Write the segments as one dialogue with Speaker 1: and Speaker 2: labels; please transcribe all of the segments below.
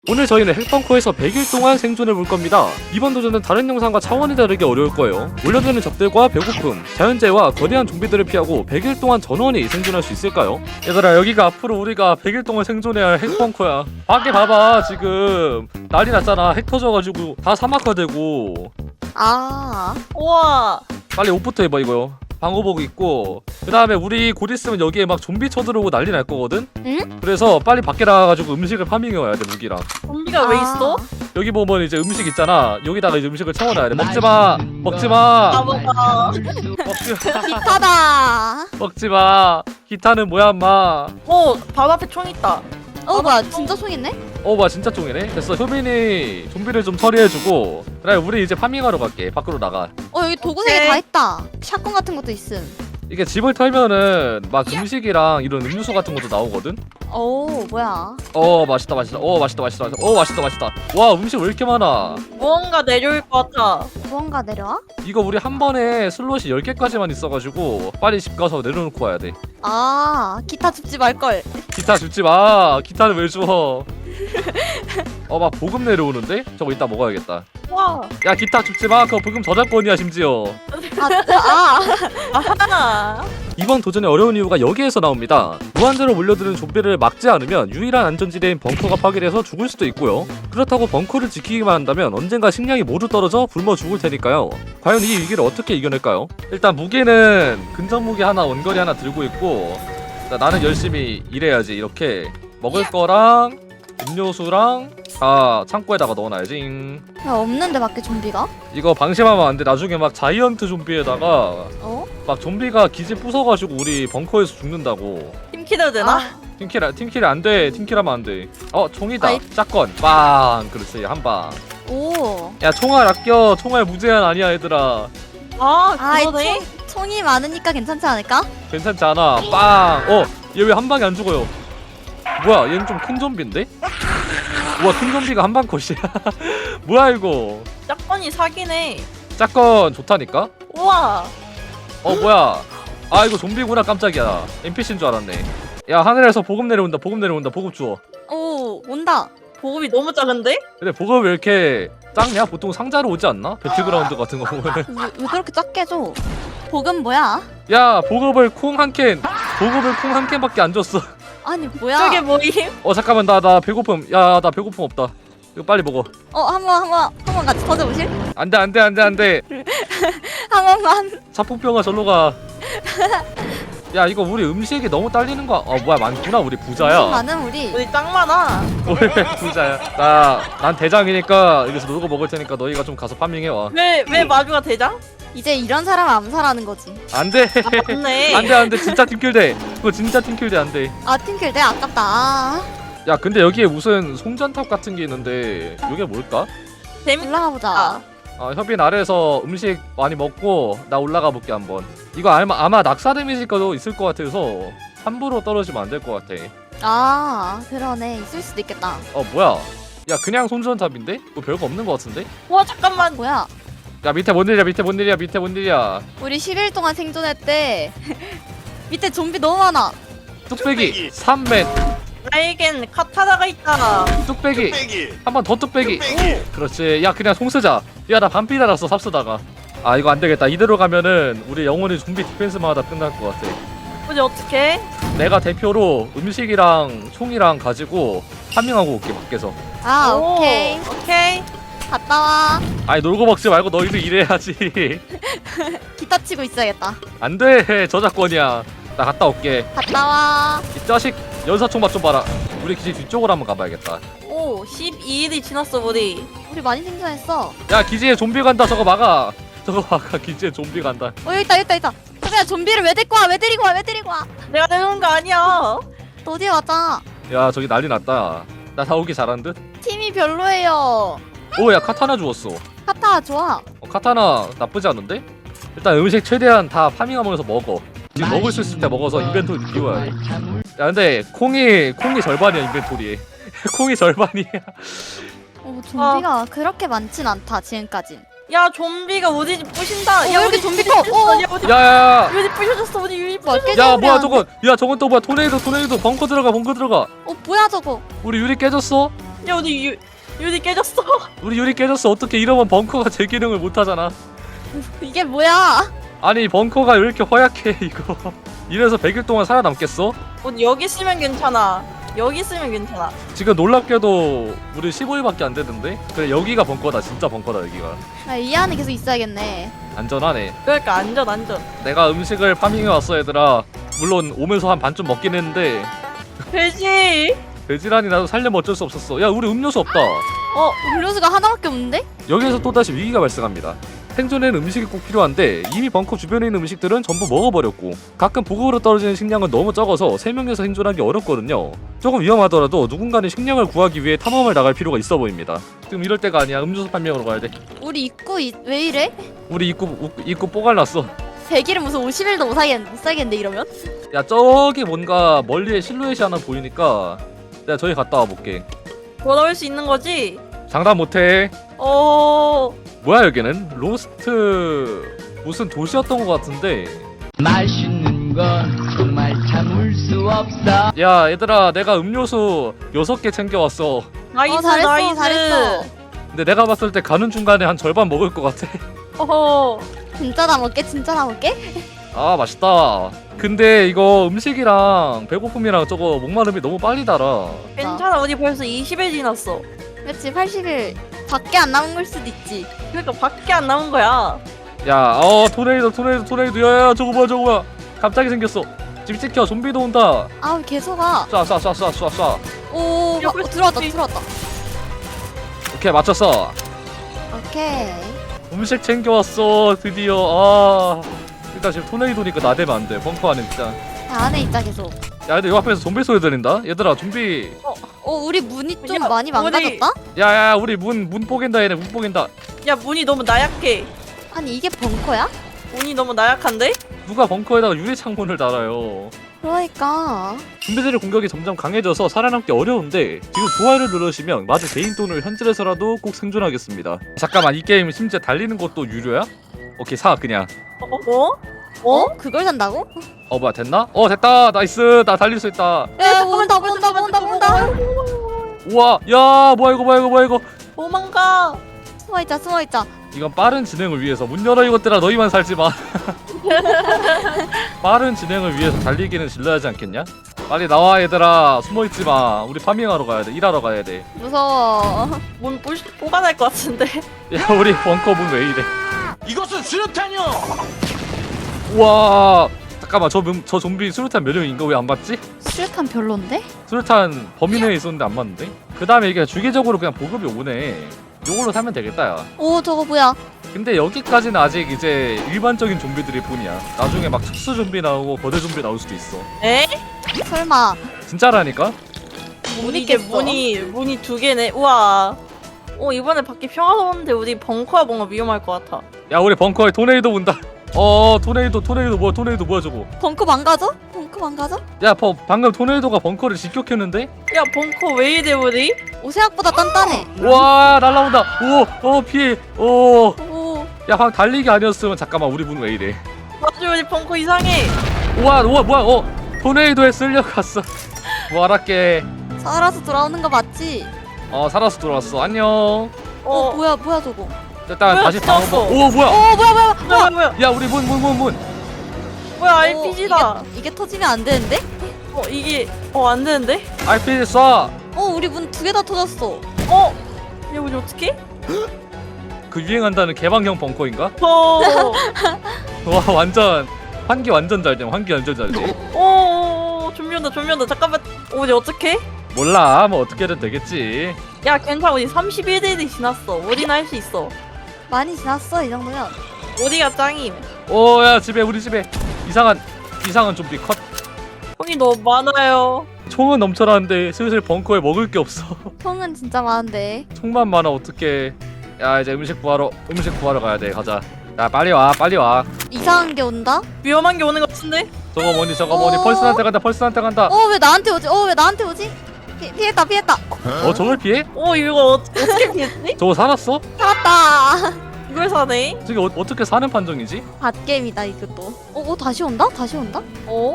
Speaker 1: 오늘 저희는 핵벙커에서 100일 동안 생존해 볼 겁니다. 이번 도전은 다른 영상과 차원이 다르게 어려울 거예요. 몰려드는 적들과 배고픔, 자연재해와 거대한 좀비들을 피하고 100일 동안 전원이 생존할 수 있을까요? 얘들아, 여기가 앞으로 우리가 100일 동안 생존해야 할 핵벙커야. 밖에 봐봐, 지금 난리 났잖아. 핵 터져가지고 다 사막화되고.
Speaker 2: 우와.
Speaker 1: 빨리 옷부터 입어. 이거 방호복 입고, 그 다음에 우리 곧 있으면 여기에 막 좀비 쳐들어오고 난리 날 거거든?
Speaker 3: 응?
Speaker 1: 그래서 빨리 밖에 나가가지고 음식을 파밍해 와야 돼. 무기랑
Speaker 2: 좀비가 왜 있어?
Speaker 1: 여기 보면 이제 음식 있잖아. 여기다가 이제 음식을 채워놔야 돼. 먹지마, 먹지마,
Speaker 2: 나보다.
Speaker 1: 먹지마,
Speaker 3: 기타다.
Speaker 1: 먹지마. 기타는 뭐야 인마.
Speaker 2: 바로 앞에 총 있다.
Speaker 3: 뭐야, 진짜 총 있네?
Speaker 1: 뭐야, 진짜 쫑이네. 됐어. 효빈이 좀비를 좀 처리해주고, 그래 우리 이제 파밍하러 갈게. 밖으로 나가.
Speaker 3: 여기 도구 3개 다 있다. 샷건 같은 것도 있음.
Speaker 1: 이게 집을 털면은 막 음식이랑 이런 음료수 같은 것도 나오거든.
Speaker 3: 뭐야.
Speaker 1: 맛있다 맛있다. 맛있다 맛있다. 맛있다 맛있다. 와, 음식 왜 이렇게 많아.
Speaker 2: 무언가 내려올 것 같아.
Speaker 3: 무언가 내려와?
Speaker 1: 이거 우리 한 번에 슬롯이 10개까지만 있어가지고 빨리 집 가서 내려놓고 와야 돼.
Speaker 3: 기타 줍지 말걸.
Speaker 1: 기타 줍지 마. 기타는 왜 줘? 막 보급 내려오는데? 저거 이따 먹어야겠다.
Speaker 2: 와.
Speaker 1: 야, 기타 줍지 마. 그거 보급 저작권이야 심지어.
Speaker 2: 아하.
Speaker 1: 이번 도전의 어려운 이유가 여기에서 나옵니다. 무한대로 몰려드는 좀비를 막지 않으면 유일한 안전지대인 벙커가 파괴돼서 죽을 수도 있고요. 그렇다고 벙커를 지키기만 한다면 언젠가 식량이 모두 떨어져 굶어 죽을 테니까요. 과연 이 위기를 어떻게 이겨낼까요? 일단 무기는 근접 무기 하나, 원거리 하나 들고 있고, 나는 열심히 일해야지. 이렇게 먹을 거랑 음료수랑 다 창고에다가 넣어놔야지.
Speaker 3: 야, 없는데 밖에 좀비가?
Speaker 1: 이거 방심하면 안 돼. 나중에 막 자이언트 좀비에다가 막 좀비가 기지 부숴가지고 우리 벙커에서 죽는다고.
Speaker 2: 팀키드 되나?
Speaker 1: 팀킬 안 돼. 팀킬하면 안 돼. 총이다.
Speaker 3: 아이.
Speaker 1: 짝건. 빵. 그렇지, 한 방. 야, 총알 아껴. 총알 무제한 아니야, 얘들아.
Speaker 2: 그거네.
Speaker 3: 총이 많으니까 괜찮지 않을까?
Speaker 1: 괜찮지 않아. 빵. 얘 왜 한 방에 안 죽어요? 뭐야, 얘는 좀 큰 좀비인데? 우와, 큰 좀비가 한 방 컷이야. 뭐야 이거.
Speaker 2: 짝건이 사기네.
Speaker 1: 짝건 좋다니까?
Speaker 2: 우와.
Speaker 1: 뭐야. 이거 좀비구나. 깜짝이야. NPC인 줄 알았네. 야, 하늘에서 보급 내려온다. 보급 주워.
Speaker 3: 온다.
Speaker 2: 보급이 너무 작은데?
Speaker 1: 근데 보급 왜 이렇게 작냐? 보통 상자로 오지 않나? 배틀그라운드 같은 거 보면.
Speaker 3: 왜 그렇게 작게 줘? 복은 뭐야?
Speaker 1: 야, 보급을 콩 한 캔밖에 안 줬어.
Speaker 3: 아니, 뭐야?
Speaker 2: 저게 뭐임?
Speaker 1: 잠깐만, 나 배고픔. 야, 나 배고픔 없다. 이거 빨리 먹어.
Speaker 3: 한번 같이 터져보실?
Speaker 1: 안돼.
Speaker 3: 한 번만.
Speaker 1: 자폭병아, 절로 가. 야, 이거 우리 음식이 너무 딸리는 거야. 뭐야, 많구나. 우리 부자야.
Speaker 3: 많은 우리.
Speaker 2: 우리 짱 많아.
Speaker 1: 왜 부자야? 난 대장이니까 여기서 놀고 먹을 테니까 너희가 좀 가서 파밍해 와.
Speaker 2: 왜 마주가 대장?
Speaker 3: 이제 이런 사람 암살하는 거지.
Speaker 1: 안돼.
Speaker 2: 맞네.
Speaker 1: 안돼. 진짜 팀킬돼. 그거 진짜 팀킬돼. 안돼.
Speaker 3: 팀킬 내 아깝다.
Speaker 1: 야, 근데 여기에 무슨 송전탑 같은 게 있는데 이게 뭘까?
Speaker 3: 올라가 보자.
Speaker 1: 협인 아래에서 음식 많이 먹고 나 올라가 볼게 한번. 이거 아마 낙사 데미지가 있을 것 같아서 함부로 떨어지면 안 될 것 같아.
Speaker 3: 그러네. 있을 수도 있겠다.
Speaker 1: 뭐야? 야, 그냥 손전탑인데? 뭐 별거 없는 것 같은데?
Speaker 2: 와 잠깐만.
Speaker 3: 뭐야?
Speaker 1: 야, 밑에 뭔 일이야?
Speaker 3: 우리 10일 동안 생존했대. 밑에 좀비 너무 많아.
Speaker 1: 뚝배기 3맨.
Speaker 2: 나에겐 카타나가 있다.
Speaker 1: 뚝배기 한 번 더. 뚝배기. 그렇지. 야, 그냥 송 쓰자. 야, 나 반피 달았어 삽 쓰다가. 이거 안 되겠다. 이대로 가면은 우리 영원히 좀비 디펜스만 하다 끝날 것 같아.
Speaker 2: 우리 어떡해?
Speaker 1: 내가 대표로 음식이랑 총이랑 가지고 파밍하고 올게. 밖에서.
Speaker 3: 오케이.
Speaker 2: 오케이.
Speaker 3: 갔다 와.
Speaker 1: 놀고 먹지 말고 너희들 일해야지.
Speaker 3: 기타 치고 있어야겠다.
Speaker 1: 안돼. 저작권이야. 나 갔다 올게.
Speaker 3: 갔다 와.
Speaker 1: 이 자식, 연사총 맛 좀 봐라. 우리 기지 뒤쪽으로 한번 가봐야겠다.
Speaker 2: 12일이 지났어 우리.
Speaker 3: 우리 많이 생존했어.
Speaker 1: 야, 기지에 좀비 간다. 저거 막아. 기지에 좀비 간다.
Speaker 3: 여기 있다. 그냥 좀비를 왜 데리고 와? 왜 데리고 와?
Speaker 2: 내가 내놓은 거 아니야.
Speaker 3: 너 어디 왔잖아.
Speaker 1: 야, 저기 난리 났다. 나 사오기 잘한 듯?
Speaker 3: 팀이 별로예요.
Speaker 1: 야, 카타나 주웠어.
Speaker 3: 카타 좋아.
Speaker 1: 카타나 나쁘지 않은데? 일단 음식 최대한 다 파밍하면서 먹어. 지금 먹을 수 있을 때 먹어서 인벤토리 비워야 돼. 야, 근데 콩이 절반이야. 인벤토리에. 콩이 절반이야.
Speaker 3: 좀비가 그렇게 많진 않다 지금까진.
Speaker 2: 야 좀비가 우리 집 부신다.
Speaker 3: 야,
Speaker 2: 우리
Speaker 3: 여기 좀비
Speaker 2: 집 부셨어.
Speaker 3: 또.
Speaker 2: 야 우리
Speaker 1: 야야야.
Speaker 2: 우리 집 부셔졌어. 우리 집 부셔졌어.
Speaker 1: 야, 뭐야 저건. 야, 저건 또 뭐야. 토네이도. 벙커 들어가.
Speaker 3: 뭐야 저거?
Speaker 1: 우리 유리 깨졌어?
Speaker 2: 야 우리 유리 깨졌어.
Speaker 1: 우리 유리 깨졌어. 어떻게 이러면 벙커가 제 기능을 못하잖아.
Speaker 3: 이게 뭐야?
Speaker 1: 아니 벙커가 왜 이렇게 허약해 이거. 이래서 100일 동안 살아남겠어?
Speaker 2: 여기 있으면 괜찮아. 여기 있으면 괜찮아.
Speaker 1: 지금 놀랍게도 우리 15일밖에 안 되는데? 그래 여기가 벙커다. 진짜 벙커다 여기가.
Speaker 3: 아, 이 안에 계속 있어야겠네.
Speaker 1: 안전하네.
Speaker 2: 그러니까 안전.
Speaker 1: 내가 음식을 파밍해 왔어 얘들아. 물론 오면서 한 반쯤 먹긴 했는데
Speaker 2: 돼지.
Speaker 1: 돼지라니 나도 살려면 어쩔 수 없었어. 야 우리 음료수 없다.
Speaker 3: 음료수가 하나밖에 없는데?
Speaker 1: 여기에서 또다시 위기가 발생합니다. 생존에는 음식이 꼭 필요한데 이미 벙커 주변에 있는 음식들은 전부 먹어버렸고 가끔 보급으로 떨어지는 식량은 너무 적어서 3명이서 생존하기 어렵거든요. 조금 위험하더라도 누군가는 식량을 구하기 위해 탐험을 나갈 필요가 있어 보입니다. 지금 이럴 때가 아니야. 음료수 판매하러 가야 돼.
Speaker 3: 우리 입구 왜 이래?
Speaker 1: 우리 입구 뽀갈났어.
Speaker 3: 100일은 무슨 50일도 못 살겠는데 이러면?
Speaker 1: 야 저기 뭔가 멀리에 실루엣이 하나 보이니까 내가 저기 갔다 와볼게.
Speaker 2: 돌아올 수 있는 거지?
Speaker 1: 장담 못해.
Speaker 2: 어.
Speaker 1: 뭐야 여기는? 로스트 무슨 도시였던 것 같은데.
Speaker 4: 맛있는 건 정말 참을 수 없어.
Speaker 1: 야 얘들아 내가 음료수 6개 챙겨왔어.
Speaker 2: 나이스
Speaker 3: 잘했어,
Speaker 2: 나이스.
Speaker 3: 잘했어.
Speaker 1: 근데 내가 봤을 때 가는 중간에 한 절반 먹을 것 같아.
Speaker 2: 어허.
Speaker 3: 진짜 다 먹게? 진짜 다 먹게?
Speaker 1: 아 맛있다. 근데 이거 음식이랑 배고픔이랑 저거 목마름이 너무 빨리 달아.
Speaker 2: 괜찮아. 우리 벌써 20일 지났어.
Speaker 3: 그렇지 80일 밖에 안 남은 걸 수도 있지.
Speaker 2: 그러니까 밖에 안 남은 거야.
Speaker 1: 야 토네이도 야야 저거 뭐야 갑자기 생겼어. 집 지켜. 좀비도 온다.
Speaker 3: 아우 계속 와.
Speaker 1: 쏴.
Speaker 3: 오
Speaker 2: 야,
Speaker 3: 들어왔다.
Speaker 1: 오케이 맞췄어.
Speaker 3: 오케이.
Speaker 1: 음식 챙겨왔어 드디어. 아 일단 지금 토네이도니까 나대면 안돼. 벙커 안에 진짜.
Speaker 3: 다 안에 있자 계속.
Speaker 1: 야 근데 요 앞에서 좀비 소리 들린다. 얘들아 좀비.
Speaker 3: 우리 문이 좀
Speaker 2: 야,
Speaker 3: 많이 망가졌다?
Speaker 1: 야야 우리 문 뽀갠다. 얘네 문 뽀갠다.
Speaker 2: 야 문이 너무 나약해.
Speaker 3: 아니 이게 벙커야?
Speaker 2: 문이 너무 나약한데?
Speaker 1: 누가 벙커에다가 유리 창문을 달아요.
Speaker 3: 그러니까
Speaker 1: 좀비들의 공격이 점점 강해져서 살아남기 어려운데 지금 좋아요를 누르시면 마저 개인 돈을 현질해서라도 꼭 생존하겠습니다. 잠깐만 이 게임 심지어 달리는 것도 유료야? 오케이 사 그냥.
Speaker 3: 그걸 산다고?
Speaker 1: 뭐야 됐나? 됐다. 나이스. 나 달릴 수 있다.
Speaker 3: 야 온다.
Speaker 1: 우와 야 뭐야 이거.
Speaker 2: 도망가.
Speaker 3: 숨어있자.
Speaker 1: 이건 빠른 진행을 위해서. 문 열어 이것들아. 너희만 살지 마. 빠른 진행을 위해서 달리기는 질러야지 않겠냐? 빨리 나와 얘들아. 숨어있지 마. 우리 파밍하러 가야 돼. 일하러 가야 돼.
Speaker 3: 무서워.
Speaker 2: 문 뽑아낼 것 같은데.
Speaker 1: 야 우리 벙커 문 왜 이래.
Speaker 4: 이것은 수류탄이요.
Speaker 1: 우와 잠깐만 저 좀비 수류탄 몇 명인가 왜 안 맞지?
Speaker 3: 수류탄 별론데?
Speaker 1: 수류탄 범위 내에 있었는데 안 맞는데? 그 다음에 이게 주기적으로 그냥 보급이 오네. 요걸로 사면 되겠다 야.
Speaker 3: 오 저거 뭐야?
Speaker 1: 근데 여기까지는 아직 이제 일반적인 좀비들일 뿐이야. 나중에 막 특수 좀비 나오고 거대 좀비 나올 수도 있어.
Speaker 2: 에?
Speaker 3: 설마
Speaker 1: 진짜라니까?
Speaker 2: 이게 문이 2개네. 우와. 이번에 밖에 평화로운데 우리 벙커야 뭔가 위험할 것 같아.
Speaker 1: 야 우리 벙커에 토네이도 온다. 토네이도 뭐야 저거.
Speaker 3: 벙커 망가져?
Speaker 1: 야 방금 토네이도가 벙커를 직격했는데?
Speaker 2: 야 벙커 왜 이래 우리?
Speaker 3: 오 생각보다 단단해.
Speaker 1: 와 날라온다. 피해.
Speaker 3: 오
Speaker 1: 야 방금 달리기 아니었으면 잠깐만 우리 문 왜 이래.
Speaker 2: 맞아 우리 벙커 이상해.
Speaker 1: 우와 뭐야 토네이도에 쓸려갔어. 뭐 알았게.
Speaker 3: 살아서 돌아오는 거 맞지?
Speaker 1: 살아서 돌아왔어. 안녕.
Speaker 3: 뭐야 저거?
Speaker 1: 일단
Speaker 2: 뭐야,
Speaker 1: 다시 방어.
Speaker 2: 죽었어.
Speaker 1: 오 뭐야?
Speaker 2: 뭐야?
Speaker 1: 야 우리 문.
Speaker 2: 뭐야 RPG다.
Speaker 3: 이게 터지면 안 되는데?
Speaker 2: 이게 안 되는데?
Speaker 1: RPG 쏴.
Speaker 3: 우리 문 2개 다 터졌어.
Speaker 2: 야 우리 어떡해?
Speaker 1: 그 유행한다는 개방형 벙커인가? 와 완전 환기 완전 잘 돼.
Speaker 2: 좀비 온다. 잠깐만. 우리 어떡해?
Speaker 1: 몰라 뭐 어떻게든 되겠지.
Speaker 2: 야 괜찮아 우리 31일이 지났어. 우리는 할 수 있어.
Speaker 3: 많이 지났어 이 정도면.
Speaker 2: 우리가 짱임.
Speaker 1: 야 우리 집에 이상한 좀비 컷.
Speaker 2: 형이 너무 많아요.
Speaker 1: 총은 넘쳐나는데 슬슬 벙커에 먹을 게 없어.
Speaker 3: 총은 진짜 많은데.
Speaker 1: 총만 많아 어떡해. 야 이제 음식 구하러 가야 돼. 가자. 야 빨리 와.
Speaker 3: 이상한 게 온다?
Speaker 2: 위험한 게 오는 것 같은데?
Speaker 1: 저거 뭐니 펄스한테 간다.
Speaker 3: 왜 나한테 오지? 피했다.
Speaker 1: 저걸 피해?
Speaker 2: 이거 어떻게 피했지?
Speaker 1: 저거 살았어?
Speaker 3: 살았다.
Speaker 2: 이걸 사네?
Speaker 1: 저게 어떻게 사는 판정이지?
Speaker 3: 갓게임이다 이것도. 다시 온다?
Speaker 1: 다시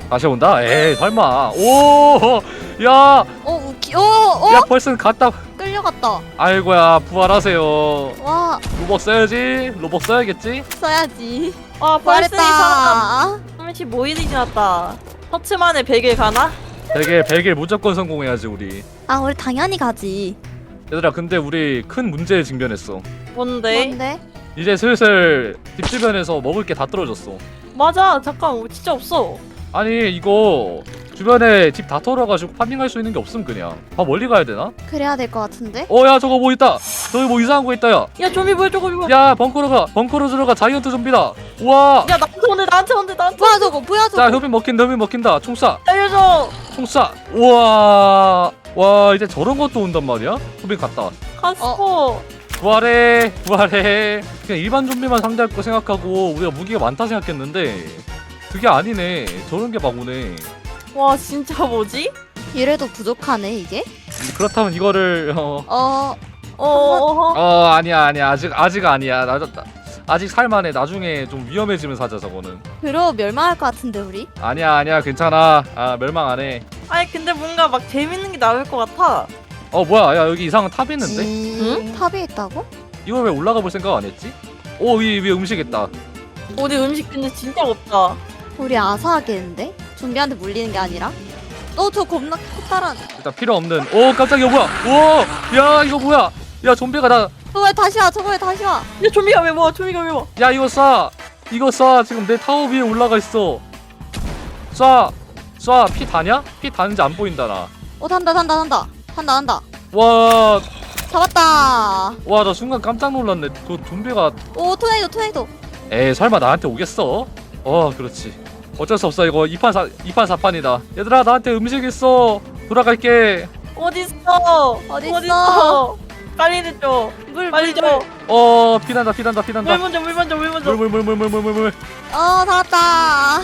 Speaker 1: 온다? 에이 설마. 야
Speaker 3: 웃기.
Speaker 1: 야 펄스는 갔다.
Speaker 3: 끌려갔다.
Speaker 1: 아이고야 부활하세요.
Speaker 3: 와,
Speaker 1: 로벅 써야지. 로벅 써야겠지?
Speaker 3: 써야지.
Speaker 2: 아 벌써 이 사람
Speaker 3: 부활했다.
Speaker 2: 35일이 지났다. 터치만에 100일 가나?
Speaker 1: 100일 무조건 성공해야지 우리.
Speaker 3: 아, 우리 당연히 가지.
Speaker 1: 얘들아 근데 우리 큰 문제에 직면했어.
Speaker 2: 뭔데?
Speaker 3: 뭔데?
Speaker 1: 이제 슬슬 집 주변에서 먹을 게 다 떨어졌어.
Speaker 2: 맞아 잠깐 진짜 없어.
Speaker 1: 아니 이거 주변에 집 다 털어가지고 파밍할 수 있는 게 없음 그냥. 아 멀리 가야 되나?
Speaker 3: 그래야 될 것 같은데?
Speaker 1: 야 저거 뭐 있다. 저기 뭐 이상한 거 있다 야.
Speaker 2: 야 좀비 뭐야 저거 이거.
Speaker 1: 야 벙커로 들어가 자이언트 좀비다. 우와.
Speaker 2: 야 나한테 온대.
Speaker 3: 뭐야 저거? 뭐야 저거?
Speaker 1: 자 협인 먹힌다. 총 쏴.
Speaker 2: 알려줘.
Speaker 1: 총 쏴. 우와. 와 이제 저런 것도 온단 말이야? 협인 갔다.
Speaker 2: 카스코.
Speaker 1: 부활해. 그냥 일반 좀비만 상대할 거 생각하고 우리가 무기가 많다 생각했는데 그게 아니네. 저런 게 막 오네.
Speaker 2: 와 진짜 뭐지?
Speaker 3: 이래도 부족하네 이게?
Speaker 1: 그렇다면 이거를 아니야 아직 아니야. 아직 살만해. 나중에 좀 위험해지면 사자 저거는.
Speaker 3: 그러 멸망할 것 같은데 우리?
Speaker 1: 아니야 괜찮아. 멸망 안 해.
Speaker 2: 아니 근데 뭔가 막 재밌는 게 나올 것 같아.
Speaker 1: 뭐야 야 여기 이상한 탑 있는데?
Speaker 3: 응? 탑이 있다고?
Speaker 1: 이걸 왜 올라가 볼 생각 안 했지? 위에 음식 있다.
Speaker 2: 우리 음식 근데 진짜 없다.
Speaker 3: 우리 아사하겠는데? 좀비한테 물리는 게 아니라? 저 겁나 커다란.
Speaker 1: 일단 필요 없는. 깜짝이야 뭐야. 야 이거 뭐야. 야 좀비가 나.
Speaker 3: 저거 왜 다시 와? 저거 왜 다시 와?
Speaker 2: 야 좀비가 왜 뭐? 좀비가 왜 뭐?
Speaker 1: 야 이거 쏴 지금 내 타워 위에 올라가 있어. 쏴 피 다냐? 피 다는지 안 보인다 나.
Speaker 3: 단다.
Speaker 1: 와
Speaker 3: 잡았다.
Speaker 1: 나 순간 깜짝 놀랐네. 그 좀비가
Speaker 3: 오, 토네이도.
Speaker 1: 에이 설마 나한테 오겠어? 그렇지. 어쩔 수 없어. 이거 2판 4판이다. 얘들아 나한테 음식 있어. 돌아갈게.
Speaker 2: 어딨어?
Speaker 3: 어딨어?
Speaker 2: 빨리 해줘.
Speaker 3: 물
Speaker 2: 빨리 줘.
Speaker 1: 피난다.
Speaker 2: 물 먼저.
Speaker 1: 물.
Speaker 3: 잡았다.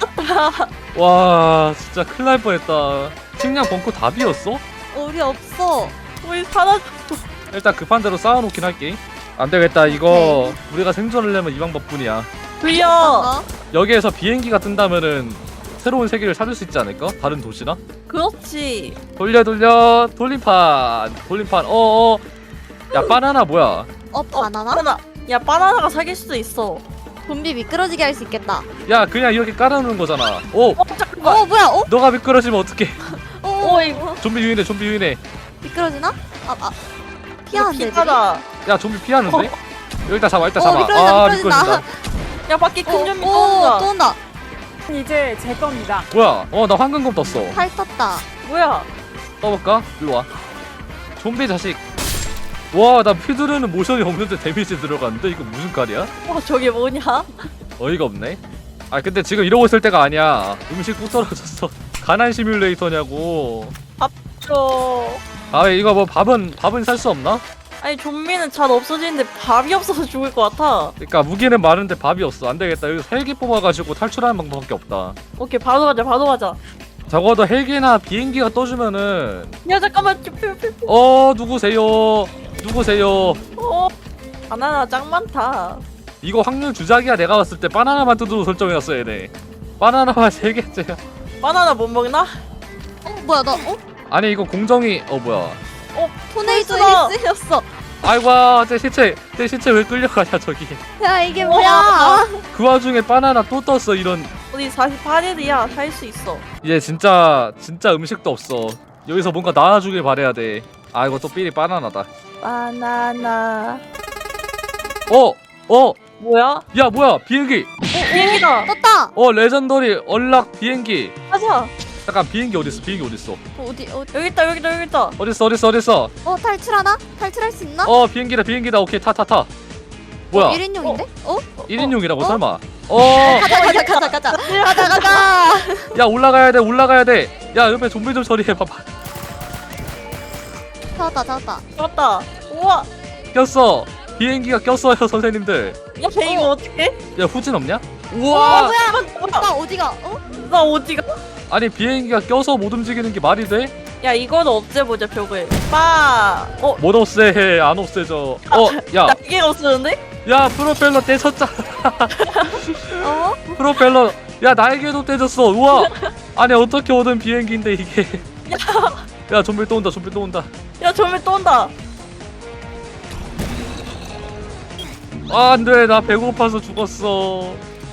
Speaker 1: 와 진짜 큰일 날 뻔했다. 식량 벙커 다 비었어?
Speaker 3: 우리 없어.
Speaker 2: 우리 사라졌어.
Speaker 1: 일단 급한 대로 쌓아놓긴 할게. 안 되겠다. 이거 우리가 생존을 하려면 이 방법뿐이야.
Speaker 2: 돌려.
Speaker 3: 어?
Speaker 1: 여기에서 비행기가 뜬다면은 새로운 세계를 찾을 수 있지 않을까? 다른 도시나?
Speaker 2: 그렇지.
Speaker 1: 돌려 돌림판. 야 바나나 뭐야?
Speaker 3: 바나나?
Speaker 2: 야 바나나가 사귈 수도 있어.
Speaker 3: 좀비 미끄러지게 할 수 있겠다.
Speaker 1: 야 그냥 이렇게 깔아놓는 거잖아.
Speaker 2: 잠깐만.
Speaker 3: 뭐야?
Speaker 1: 너가 미끄러지면 어떡해.
Speaker 2: 이거
Speaker 1: 좀비 유인해.
Speaker 3: 미끄러지나? 피하는데.
Speaker 2: 피하다.
Speaker 1: 야 좀비 피하는데? 여기다 잡아.
Speaker 3: 미끄러진다.
Speaker 1: 미끄러진다.
Speaker 2: 야 밖에 큰 좀비
Speaker 3: 또
Speaker 2: 또 온다.
Speaker 3: 온다.
Speaker 5: 이제 제 겁니다.
Speaker 1: 뭐야? 나 황금검 떴어.
Speaker 3: 팔 떴다.
Speaker 2: 뭐야?
Speaker 1: 떠볼까? 일로 와. 좀비 자식. 와 나 피두르는 모션이 없는데 데미지 들어갔는데 이거 무슨 깔이야?
Speaker 2: 저게 뭐냐?
Speaker 1: 어이가 없네. 근데 지금 이러고 있을 때가 아니야. 음식 뚝 떨어졌어. 가난 시뮬레이터냐고. 이거 뭐 밥은 살 수 없나?
Speaker 2: 아니 좀비는 잘 없어지는데 밥이 없어서 죽을 것 같아.
Speaker 1: 그러니까 무기는 많은데 밥이 없어. 안 되겠다. 여기서 헬기 뽑아가지고 탈출하는 방법밖에 없다.
Speaker 2: 오케이 바로 가자.
Speaker 1: 적어도 헬기나 비행기가 떠주면은.
Speaker 2: 야 잠깐만.
Speaker 1: 누구세요?
Speaker 2: 바나나 짱 많다.
Speaker 1: 이거 확률 주작이야. 내가 봤을 때 바나나만 뜯어도 설정해놨어 얘네. 바나나만 3개째야.
Speaker 2: 바나나 못 먹나?
Speaker 3: 뭐야 나?
Speaker 1: 아니 이거 공정이 뭐야.
Speaker 3: 토네이도에
Speaker 2: 벌써.
Speaker 3: 쓰였어.
Speaker 1: 아이고 제 시체 왜 끌려가냐 저기.
Speaker 3: 야 이게 뭐야?
Speaker 1: 그 와중에 바나나 또 떴어. 이런.
Speaker 2: 우리 48일이야. 살 수 있어.
Speaker 1: 이제 진짜 음식도 없어. 여기서 뭔가 나와주길 바래야 돼. 이거 또 삘이 바나나다.
Speaker 2: 바나나. 뭐야?
Speaker 1: 야 뭐야 비행기.
Speaker 2: 비행기다.
Speaker 3: 떴다.
Speaker 1: 레전더리 얼락 비행기.
Speaker 2: 가자.
Speaker 1: 잠깐 비행기 어딨어?
Speaker 3: 어디?
Speaker 2: 여기 있다.
Speaker 1: 어딨어?
Speaker 3: 탈출하나? 탈출할 수 있나?
Speaker 1: 비행기다. 오케이 타. 뭐야?
Speaker 3: 1인용인데?
Speaker 1: 1인용이라고
Speaker 3: 어?
Speaker 1: 설마?
Speaker 3: 가자.
Speaker 1: 야 올라가야 돼. 야 옆에 좀비 좀 처리해 봐봐.
Speaker 3: 잡았다.
Speaker 2: 잡았다. 우와.
Speaker 1: 꼈어. 비행기가 꼈어요 선생님들.
Speaker 2: 야 이거 어떡해?
Speaker 1: 야 후진 없냐?
Speaker 3: 뭐야? 나 어디가?
Speaker 2: 나 어디가?
Speaker 1: 아니 비행기가 껴서 못 움직이는 게 말이 돼?
Speaker 2: 야 이거는 없애보자 벽을.
Speaker 1: 못 없애. 안 없애져.
Speaker 2: 날개가 없어졌는데?
Speaker 1: 야 프로펠러 떼졌잖아.
Speaker 3: 어?
Speaker 1: 프로펠러. 야 날개도 떼졌어. 우와. 아니 어떻게 오던 비행기인데 이게. 야 좀비 또 온다. 좀비 또 온다.
Speaker 2: 야 저기 또 온다.
Speaker 1: 아 안돼 나 배고파서 죽었어.